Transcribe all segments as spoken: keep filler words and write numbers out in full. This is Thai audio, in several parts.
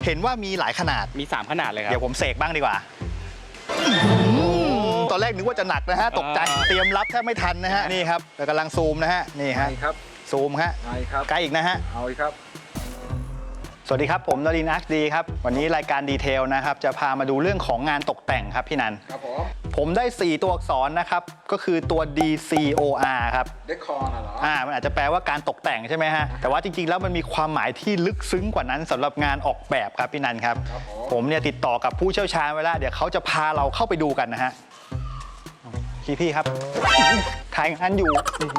เห็นว่ามีหลายขนาดมีสามขนาดเลยครับเดี๋ยวผมเสกบ้างดีกว่าตอนแรกนึกว่าจะหนักนะฮะตกใจเตรียมรับแทบไม่ทันนะฮะนี่ครับกำลังซูมนะฮะนี่ฮะครับซูมฮะใกล้อีกนะฮะเอาอีกครับสวัสดีครับผมนรินทร์อาร์คดีครับวันนี้รายการดีเทลนะครับจะพามาดูเรื่องของงานตกแต่งครับพี่นันครับผมผมได้สี่ตัวอักษรนะครับก็คือตัว ดี ซี โอ อาร์ ครับเดคอร์น่ะเหรออ่ามันอาจจะแปลว่าการตกแต่งใช่ไหมฮะแต่ว่าจริงๆแล้วมันมีความหมายที่ลึกซึ้งกว่านั้นสำหรับงานออกแบบครับพี่นันครับผมเนี่ยติดต่อกับผู้เชี่ยวชาญไว้แล้วเดี๋ยวเขาจะพาเราเข้าไปดูกันนะฮะพี่พี่ครับถ่ายงานอยู่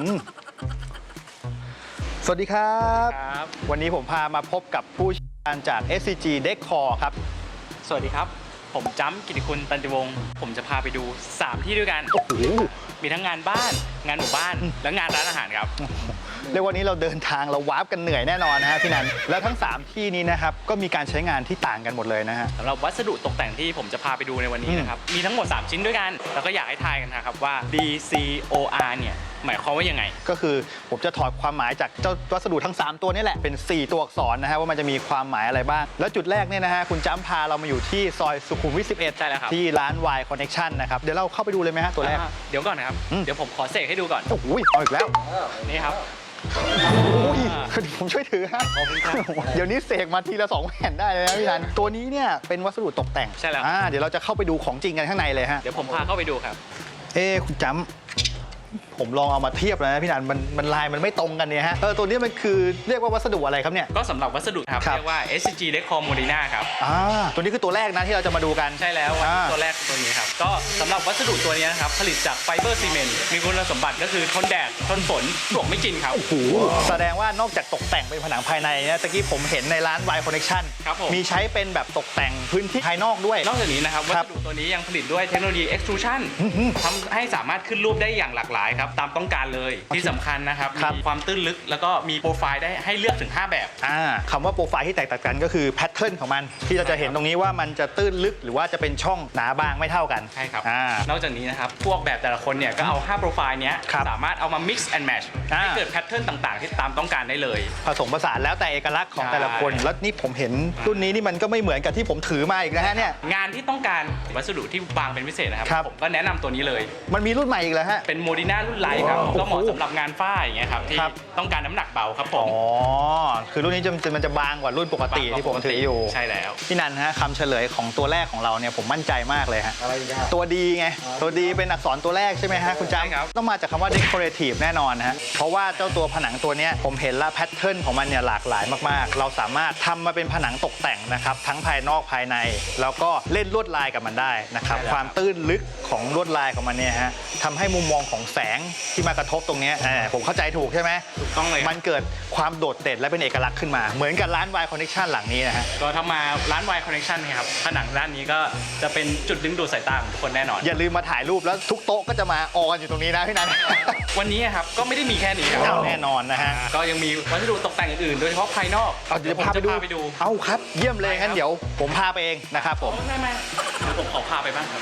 สวัสดีครับวันนี้ผมพามาพบกับผู้เชี่ยวชาญจาก เอส ซี จี Decor ครับสวัสดีครับผมจ้ำกิติคุณตันติวงศ์ผมจะพาไปดูสามที่ด้วยกันโอ้โหมีทั้งงานบ้านงานหมู่บ้านและงานร้านอาหารครับเรียกว่านี้เราเดินทางเราวาร์ปกันเหนื่อยแน่นอนนะฮะพี่นันแล้วทั้งสามที่นี้นะครับก็มีการใช้งานที่ต่างกันหมดเลยนะฮะสำหรับวัสดุตกแต่งที่ผมจะพาไปดูในวันนี้นะครับมีทั้งหมดสามชิ้นด้วยกันแล้วก็อยากให้ทายกันนะครับว่า ดี ซี โอ อาร์ เนี่ยหมายความว่ายังไงก็คือผมจะถอดความหมายจากเจ้าวัสดุทั้งสามตัวนี้แหละเป็นสี่ตัวอักษรนะฮะว่ามันจะมีความหมายอะไรบ้างแล้วจุดแรกเนี่ยนะฮะคุณจ้ำพาเรามาอยู่ที่ซอยสุขุมวิทสิบเอ็ดใช่แล้วครับที่ร้าน Y Connection นะครับเดี๋ยวเราเข้าไปดูเลยไหมฮะตัวแรกเดี๋ยวก่อนนะครับเดี๋ยวผมขอเสกให้ดูก่อนโอ้โหเอาอีกแล้วนี่ครับผมช่วยถือฮะเดี๋ยวนี้เสกมาทีละสองแผ่นได้เลยนะพี่นันตัวนี้เนี่ยเป็นวัสดุตกแต่งใช่แล้วเดี๋ยวเราจะเข้าไปดูของจริงกันข้างในเลยฮะเดี๋ยวผมพาเข้าไปดูครับเอ้คุณจ้ำผมลองเอามาเทียบแล้วนะพี่นันมันมันลายมันไม่ตรงกันเนี่ยฮะเออตัวนี้มันคือเรียกว่าวัสดุอะไรครับเนี่ยก็สำหรับวัสดุครับเรียกว่า เอส ซี จี Decor Modena ครับอ่าตัวนี้คือตัวแรกนะที่เราจะมาดูกันใช่แล้วตัวแรกตัวนี้ครับก็สำหรับวัสดุตัวนี้นะครับผลิตจากไฟเบอร์ซีเมนต์มีคุณสมบัติก็คือทนแดดทนฝนปลวกไม่กินครับโอ้โหแสดงว่านอกจากตกแต่งเป็นผนังภายในนะตะกี้ผมเห็นในร้าน Y Connection มีใช้เป็นแบบตกแต่งพื้นที่ภายนอกด้วยนอกจากนี้นะครับวัสดุตัวนี้ยังผลิตด้วยเทคโนโลยี extrusion ทำให้สามารถขึ้นรูปได้อย่างหลากหลายครับตามต้องการเลยที่สำคัญนะครับมีความตื้นลึกแล้วก็มีโปรไฟล์ได้ให้เลือกถึงห้าแบบอ่าคำว่าโปรไฟล์ที่แตกต่างกันก็คือแพทเทิร์นของมันที่เราจะเห็นตรงนี้ว่ามันจะตื้นลึกหรือว่าจะเป็นช่องหนาบางไม่เท่ากันใช่ครับนอกจากนี้นะครับพวกแบบแต่ละคนเนี่ยก็เอาห้าโปรไฟล์นี้สามารถเอามา mix and match ให้เกิดแพทเทิร์นต่างๆที่ตามต้องการได้เลยผสมผสานแล้วแต่เอกลักษณ์ของแต่ละคนแล้วนี่ผมเห็นรุ่นนี้นี่มันก็ไม่เหมือนกับที่ผมถือมาอีกนะฮะเนี่ยงานที่ต้องการวัสดุที่บางเป็นพิเศษนะครับผมก็แนะนำตัวนี้เลยมันมีรุ่นใหม่อีกแล้วฮะเป็นโมดิน่ารุ่นไลท์ครับก็เหมาะสำหรับงานฝ้าอย่างเงี้ยครับที่ต้องการน้ำหนักเบาครับผมอ๋อคือรุ่นนี้จะมันจะบางกว่ารุ่นปกติที่ผมถืออยู่ใช่แล้วพี่นันฮะคำเฉลยของตัวแรกของเราเนี่ยผมมั่นใจมากเลยฮะตัวดีไงตัวดีเป็นอักษรตัวแรกใช่ไหมฮะคุณจ้ำต้องมาจากคำว่า decorative แน่นอนฮะเพราะว่าเจ้าตัวผนังตัวนี้ผมเห็นละแพทเทิร์นของมันเนี่ยหลากหลายมากๆเราสามารถทำมาเป็นผนังตกแต่งนะครับทั้งภายนอกภายในแล้วก็เล่นลวดลายกับมันได้นะครับความตื้นลึกของลวดลายของมันเนี่ยฮะทำให้มุมมองของแสงที่มากระทบตรงนี้ผมเข้าใจถูกใช่ไหมถูกต้องเลยมันเกิดความโดดเด่นและเป็นเอกลักษณ์ขึ้นมาเหมือนกับร้าน Y Connection หลังนี้นะฮะก็ทำมาร้าน Y Connection ครับผนังด้านนี้ก็จะเป็นจุดดึงดูดสายตาของทุกคนแน่นอนอย่าลืมมาถ่ายรูปแล้วทุกโต๊ะก็จะมาออกันอยู่ตรงนี้นะพี่นันวันนี้ครับก็ไม่ได้มีแค่นี้ครับแน่นอนนะฮะก็ยังมีวัสดุตกแต่งอื่นๆโดยเฉพาะภายนอกเอาเดี๋ยวผมจะพาไปดูเอาครับเยี่ยมเลยงั้นเดี๋ยวผมพาไปเองนะครับผมไม่ไม่เดี๋ยวผมขอพาไปบ้างครับ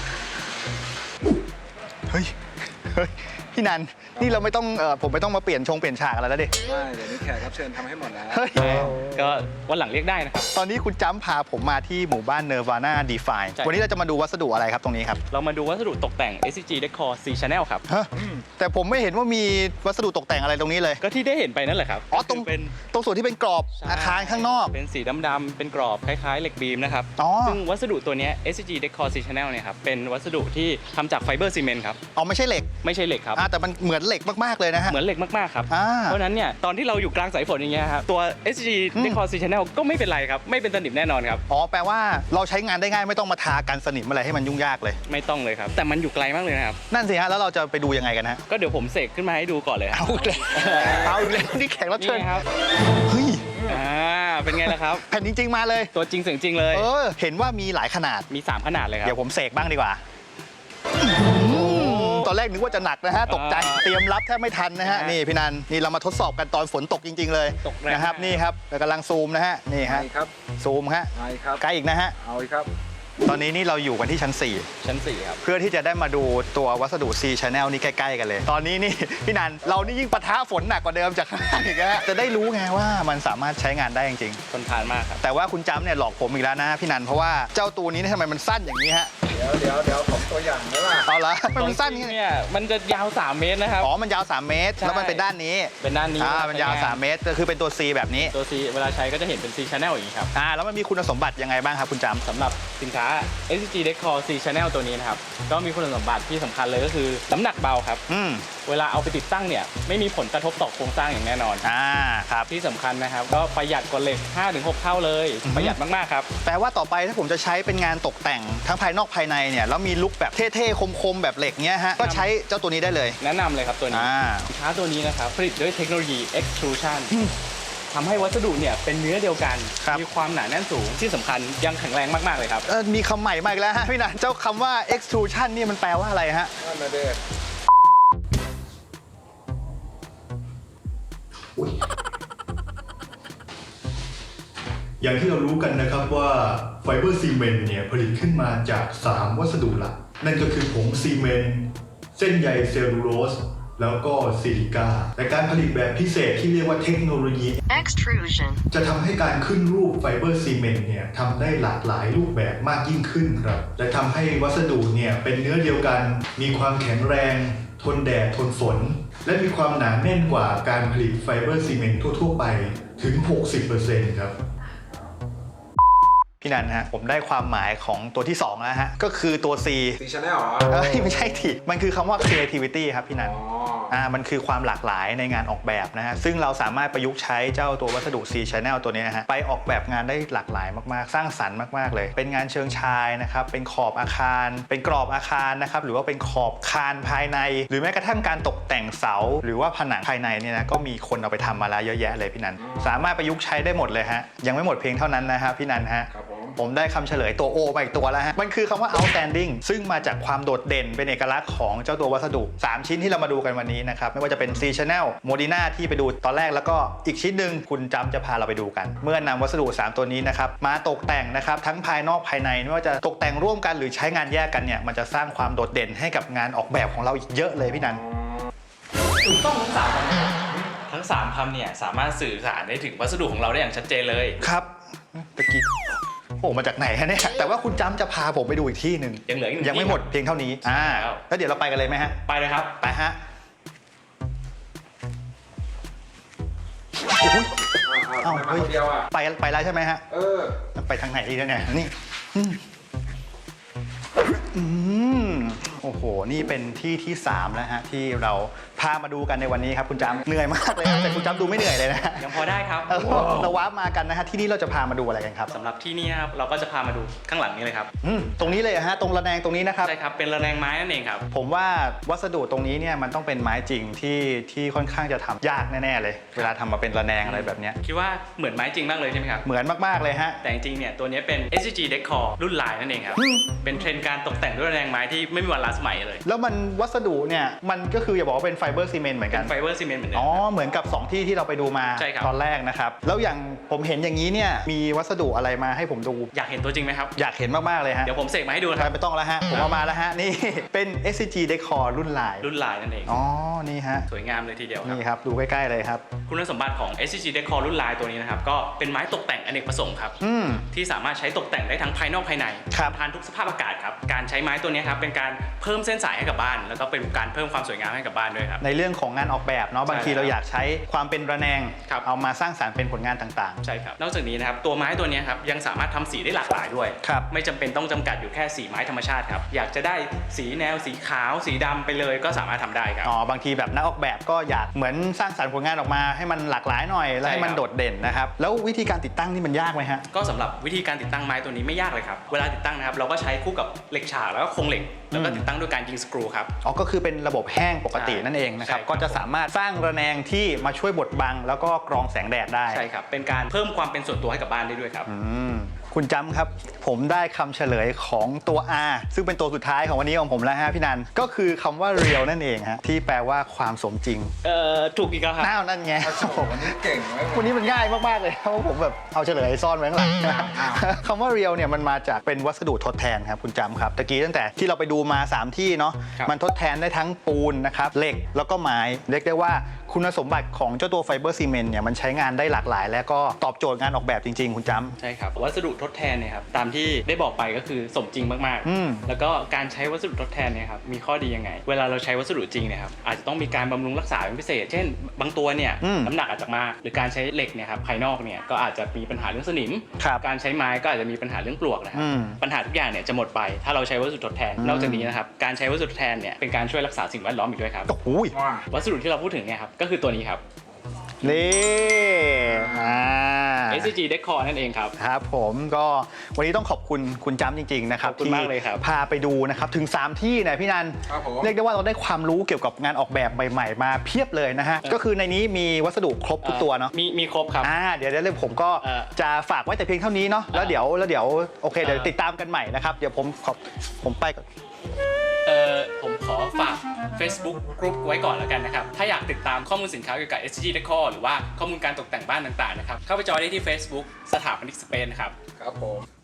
เฮ้ยเฮ้ยพี่นันนี่เราไม่ต้องเอ่อผมไม่ต้องมาเปลี่ยนชงเปลี่ยนฉากอะไรแล้วดิไม่เดี๋ยวนี้แขกรับเชิญทำให้หมดแล้วก็วันหลังเรียกได้นะครับตอนนี้คุณจ้ำพาผมมาที่หมู่บ้านเนวาน่าดีไฟน์วันนี้เราจะมาดูวัสดุอะไรครับตรงนี้ครับเรามาดูวัสดุตกแต่ง เอส ซี จี Decor C Channel ครับแต่ผมไม่เห็นว่ามีวัสดุตกแต่งอะไรตรงนี้เลยก็ที่ได้เห็นไปนั่นแหละครับอ๋อตรงเป็นตรงส่วนที่เป็นกรอบอาคารข้างนอกเป็นสีดำๆเป็นกรอบคล้ายๆเหล็กบีมนะครับซึ่งวัสดุตัวนี้ เอส ซี จี Decor C Channel เนี่ยครับเป็นวัสดุที่ทำจากไฟเบอร์ซีเมนต์ครับอ๋อไม่ใช่เหล็กไม่ใช่เหล็กครับแต่มันเหมือนเหล็กมากๆเลยนะฮะเหมือนเหล็กมากๆครับเพราะนั้นเนี่ยตอนที่เราอยู่กลางสายฝนอย่างเงี้ยครับตัว เอส ซี จี Decor C Channel ก็ไม่เป็นไรครับไม่เป็นสนิมแน่นอนครับอ๋อแปลว่าเราใช้งานได้ง่ายไม่ต้องมาทากันสนิมอะไรให้มันยุ่งยากเลยไม่ต้องเลยครับแต่มันอยู่ไกลมากเลยนะครับนั่นสิฮะแล้วเราจะไปดูยังไงกันฮะก็เดี๋ยวผมเสกขึ้นมาให้ดูก่อนเลยเอาเลยเอาเลยนี่แขกรับเชิญครับเฮ้ยอ่าเป็นไงล่ะครับแผ่นจริงๆมาเลยตัวจริงเสียงจริงเลยเออเห็นว่ามีหลายขนาดมีสามขนาดเลยครับเดี๋ยวผมเสกบ้างดีกว่าตอนแรกนึกว่าจะหนักนะฮะตกใจเตรียมรับแทบไม่ทันนะฮะนี่พี่นันนี่เรามาทดสอบกันตอนฝนตกจริงๆเลยนะครับนี่ครับกำลังซูมนะฮะนี่ฮะซูมฮะใกล้อีกนะฮะเอาอีกครับตอนนี้นี่เราอยู่กันที่ชั้นสี่ชั้นสี่ครับเพื่อที่จะได้มาดูตัววัสดุ C Channel นี่ใกล้ๆกันเลย ตอนนี้นี่ พี่นันเรานี่ยิ่งปะทะฝนหนักกว่าเดิมจากข้างล่างอีกนะจะได้รู้ไงว่ามันสามารถใช้งานได้จริงทนทานมากครับๆแต่ว่าคุณจำเนี่ยหลอกผมอีกแล้วนะพี่นันเพราะว่าเจ้าตัวนี้เนี่ยทำไมมันสั้นอย่างนี้ฮะเดี๋ยวเดี๋ยวเดี๋ยวผมตัวอย่างไหมล่ะเอาละมันตรงสั้นจริอย่างงนี้เนี่ยมันจะยาวสามเมตรนะครับอ๋อมันยาวสามเมตรใช่แล้วมันเป็นด้านนี้เป็นด้านนี้อ่ามันยาวสามเมตรก็คือเป็นตัว C แบบนี้ตัว C เวลาใช้ก็จะเห็นเป็น C channel อย่างนี้ครับอ่าแล้วมันมีคุณสมบัติยังไงบ้างครับคุณจำสำหรับสินค้า เอส ซี จี Decor C channel ตัวนี้นะครับก็มีคุณสมบัติที่สำคัญเลยก็คือน้ำหนักเบาครับอืมเวลาเอาไปติดตั้งเนี่ยไม่มีผลกระทบต่อโครงสร้างอย่างแน่นอนอ่าครับที่สำคัญนะครับก็ประหยัดกว่าเหล็ก ห้าถึงหก เท่าเลยอือฮึประหยัดมากๆครับแปลว่าต่อไปถ้าผมจะใช้เป็นงานตกแต่งทั้งภายนอกภายในเนี่ยแล้วมีลุคแบบเท่ๆคมๆแบบเหล็กเนี้ยฮะก็ใช้เจ้าตัวนี้ได้เลยแนะนำเลยครับตัวนี้อ่าสินค้าตัวนี้นะครับผลิตด้วยเทคโนโลยี extrusion ทำให้วัสดุเนี่ยเป็นเนื้อเดียวกันครับมีความหนาแน่นสูงที่สำคัญยังแข็งแรงมากๆเลยครับเอ่อมีคำใหม่มาอีกแล้วฮะพี่นันเจ้าคำว่า extrusion นี่มันแปลว่าอะไรฮะนั่นนะเด็กอย่างที่เรารู้กันนะครับว่าไฟเบอร์ซีเมนต์เนี่ยผลิตขึ้นมาจาก สาม วัสดุหลัก นั่นก็คือผงซีเมนต์เส้นใยเซลลูโลสแล้วก็ซิลิก้าแต่การผลิตแบบพิเศษที่เรียกว่าเทคโนโลยี extrusion จะทำให้การขึ้นรูปไฟเบอร์ซีเมนต์เนี่ยทำได้หลากหลายรูปแบบมากยิ่งขึ้นครับและทำให้วัสดุเนี่ยเป็นเนื้อเดียวกัน มีความแข็งแรง ทนแดดทนฝน และมีความหนาแน่นกว่าการผลิตไฟเบอร์ซีเมนต์ทั่วๆไปถึง หกสิบเปอร์เซ็นต์ ครับพี่นันฮะผมได้ความหมายของตัวที่สองแล้วฮะก็คือตัว C ซีชาแนลเหรอเอ้ยไม่ใช่ทีมันคือคำว่า creativity ครับพี่นันอ๋ออ่ามันคือความหลากหลายในงานออกแบบนะฮะซึ่งเราสามารถประยุกต์ใช้เจ้าตัววัสดุ C Channel ตัวนี้นะฮะไปออกแบบงานได้หลากหลายมากๆ สร้างสรรค์มากๆเลย เป็นงานเชิงชายนะครับเป็นขอบอาคาร เป็นกรอบอาคารนะครับหรือว่าเป็นขอบคานภายใน หรือแม้กระทั่งการตกแต่งเสา หรือว่าผนังภายในเนี่ยนะก็มีคนเอาไปทำมาแล้วเยอะแยะเลยพี่นันสามารถประยุกต์ใช้ได้หมดเลยฮะยังไม่หมดเพียงเท่านั้นนะฮะพี่นันฮะครับผมผมได้คำเฉลยตัว O มาอีกตัวแล้วฮะ มันคือคำว่า outstanding ซึ่งมาจากความโดดเด่นเป็นเอกลักษณ์ของเจ้าตัววัสดุ สาม ชิ้นที่เรามาดูกันวันนี้นะครับ ไม่ว่าจะเป็น C Channel Modena ที่ไปดูตอนแรกแล้วก็อีกชิ้นหนึ่งคุณจำจะพาเราไปดูกัน เมื่อนำวัสดุ สาม ตัวนี้นะครับมาตกแต่งนะครับทั้งภายนอกภายในไม่ว่าจะตกแต่งร่วมกันหรือใช้งานแยกกันเนี่ยมันจะสร้างความโดดเด่นให้กับงานออกแบบของเราอีกเยอะเลยพี่นันถูกต้องทั้งสามคำนะครับทั้งสามคำเนี่ยสามารถสื่อสารได้ถึงวัสดุของเราได้อย่างชัดเจนเลยครับตะกี้โอ้มาจากไหนฮะเนี่ยแต่ว่าคุณจำจะพาผมไปดูอีกที่หนึ่งยังเหลืออีกหนึ่งยังไม่ที่หมดเพียงเท่านี้อ่าแล้วแล้วเดี๋ยวเราไปกันเลยไหมฮะไปเลยครับไปฮะโอ้ยเอ้าเอ้าทำไมมาคนเดียวอ่ะไปไปแล้วใช่ไหมฮะเออไปทางไหนดีเนี่ยนี่อืมอืมโอ้โห นี่เป็นที่ที่สามแล้วฮะที่เราพามาดูกันในวันนี้ครับคุณจำเหนื่อยมากเลยนะแต่คุณจำดูไม่เหนื่อยเลยนะยังพอได้ครับเออเราว้าร์ปมากันนะฮะที่นี่เราจะพามาดูอะไรกันครับสำหรับที่นี่นะครับเราก็จะพามาดูข้างหลังนี้เลยครับอืมตรงนี้เลยฮะตรงระแนงตรงนี้นะครับใช่ครับเป็นระแนงไม้นั่นเองครับผมว่าวัสดุตรงนี้เนี่ยมันต้องเป็นไม้จริงที่ที่ค่อนข้างจะทำยากแน่ๆเลย เวลาทำมาเป็นระแนงอะไรแบบเนี้ยคิดว่าเหมือนไม้จริงมากเลยใช่ไหมครับเหมือนมากๆเลยฮะแต่จริงๆเนี่ยตัวนี้เป็น เอส ซี จี Decor รุ่นลายนั่นเองครับอืมเป็นเทรนด์การตกแต่งด้วยระแนงไม้ที่ไม่มีวันล้าสมัยเลยแล้วมันวัสดุเนี่ยมันก็คืออย่าบอกว่าเป็นไฟเบอร์ซีเมนต์เหมือนกันไฟเบอร์ซีเมนต์เหมือนเดิอ๋มอครับเหมือนกับสองที่ที่เราไปดูมาใช่ครับตอนแรกนะครับ แล้วอย่างผมเห็นอย่างนี้เนี่ยมีวัสดุอะไรมาให้ผมดูอยากเห็นตัวจริงไหมครับอยากเห็นมากๆเลยฮะเดี๋ยวผมเสกมาให้ดูนะครับไม่ต้องแล้วฮะผมเอามาแล้วฮะนี่เป็น เอส ซี จี Decor รุ่นลายรุ่นลายนั่นเองอ๋อนี่ฮะสวยงามเลยทีเดียวครับนี่ครับดูใกล้ๆเลยครับคุณสมบัติของ เอส ซี จี Decor รุ่นลายตัวนี้นะครับก็เป็นไม้ตกแต่งอเนกประสงค์ครับอืมที่สามารถใช้ตกแต่งได้ทั้งภายนอกภายในครับทานทุกสภาพอากาศครับการใช้ไม้ตัวนี้ครับเป็นการเพิ่มเส้นสายให้กับบ้าน แล้วก็เป็นการเพิ่มความสวยงามให้กับบ้านด้วยครับในเรื่องของงานออกแบบเนาะบางทีใช่เราอยากใช้ความเป็นระแนงครับเอามาสร้างสรรค์เป็นผลงานต่างใช่ครับนอกจากนี้นะครับตัวไม้ตัวนี้ครับยังสามารถทำสีได้หลากหลายด้วยครับไม่จำเป็นต้องจำกัดอยู่แค่สีไม้ธรรมชาติครับอยากจะได้สีแนวสีขาวสีดำไปเลยก็สามารถทำได้ครับๆอ๋อบางทีแบบนักออกแบบก็อยากเหมือนสร้างสรรค์ผลงานออกมาให้มันหลากหลายหน่อยแล้วให้มันใช่ครับโดดเด่นนะครับแล้ววิธีการติดตั้งนี่มันยากไหมฮะก็สำหรับวิธีการติดตั้งไม้ตัวนี้ไม่ยากเลยครับเวลาติดตั้งนะครับเราก็ใช้คู่กับเหล็กฉากแล้วก็โครงเหล็กแล้วก็อืมติดตั้งด้วยการยิงสกรูครับอ๋อก็คือเป็นระบบแห้งปกติใช่นั่นเองนะครับใช่ครับก็จะสามารถสร้างระแนงที่มาช่วยบดบัง แล้วก็กรองแสงแดดได้ใช่ครับเป็นการเพิ่มความเป็นส่วนตัวให้กับบ้านได้ด้วยครับอืมคุคุณจำครับผมได้คำเฉลยของตัว R ซึ่งเป็นตัวสุดท้ายของวันนี้ของผมแล้วฮะพี่นันก็คือคำว่า real นั่นเองฮะที่แปลว่าความสมจริงเอ่อถูกอีกแล้วครับน้าวนั่นไงโอ้โหวันนี้เก่งไหมวันนี้มันง่ายมากๆเลยเพราะว่าผมแบบเอาเฉลยซ่อนไว้ข้างหลังคำว่า real เนี่ยมันมาจากเป็นวัสดุทดแทนครับคุณจำครับตะกี้ตั้งแต่ที่เราไปดูมาสามที่เนาะครับมันทดแทนได้ทั้งปูนนะครับเหล็กแล้วก็ไม้เรียกได้ว่าคุณสมบัติของเจ้าตัวไฟเบอร์ซีเมนต์เนี่ยมันใช้งานได้หลากหลาย และก็ตอบโจทย์งานออกแบบจริงๆ คุณจำใช่ครับวัสดุทดแทนเนี่ยครับตามที่ได้บอกไปก็คือสมจริงมากอืมๆ แล้วก็การใช้วัสดุทดแทนเนี่ยครับมีข้อดียังไง เวลาเราใช้วัสดุจริงเนี่ยครับอาจจะต้องมีการบำรุงรักษาเป็นพิเศษ เช่น บางตัวเนี่ยอืมน้ำหนักอาจจะมากหรือการใช้เหล็กเนี่ยครับภายนอกเนี่ยก็อาจจะมีปัญหาเรื่องสนิมครับการใช้ไม้ก็อาจจะมีปัญหาเรื่องปลวกนะครัอืมปัญหาทุกอย่างเนี่ยจะหมดไปถ้าเราใช้วัสดุทดแทนอืมนอกจากนี้นะครับการใช้วัสดุทดแทนเนี่ยเป็นการช่วยรักษาสิ่งแวดล้อมอีกด้วยครับโอ้โหว่าวัสดุที่เราพูดถึงเนี่ยครับก็คือตัวนี้ครับนี่อ่าเอส ซี จี Decor นั่นเองครับครับผมก็วันนี้ต้องขอบคุณคุณจำจริงๆนะครับขอบคุณมากเลยครับพาไปดูนะครับถึง สาม ที่เนี่ยพี่นันครับผมเรียกได้ว่าเราได้ความรู้เกี่ยวกับงานออกแบบใหม่ๆ มาเพียบเลยนะฮะก็คือในนี้มีวัสดุครบทุกตัวเนาะมีมีครบครับอ่าเดี๋ยวเดี๋ยวผมก็เออจะฝากไว้แต่เพียงเท่านี้เนาะแล้วเดี๋ยวแล้วเดี๋ยวโอเคเดี๋ยวเออติดตามกันใหม่นะครับเดี๋ยวผมขอผมไปก่อนเอ่อผมขอฝาก Facebook กรุ๊ปไว้ก่อนแล้วกันนะครับ ถ้าอยากติดตามข้อมูลสินค้าเกี่ยวกับ เอส ซี จี Decor หรือว่าข้อมูลการตกแต่งบ้านต่างๆนะครับ เข้าไปจอยได้ที่ Facebook สถาปนิกสเปนนะครับครับผม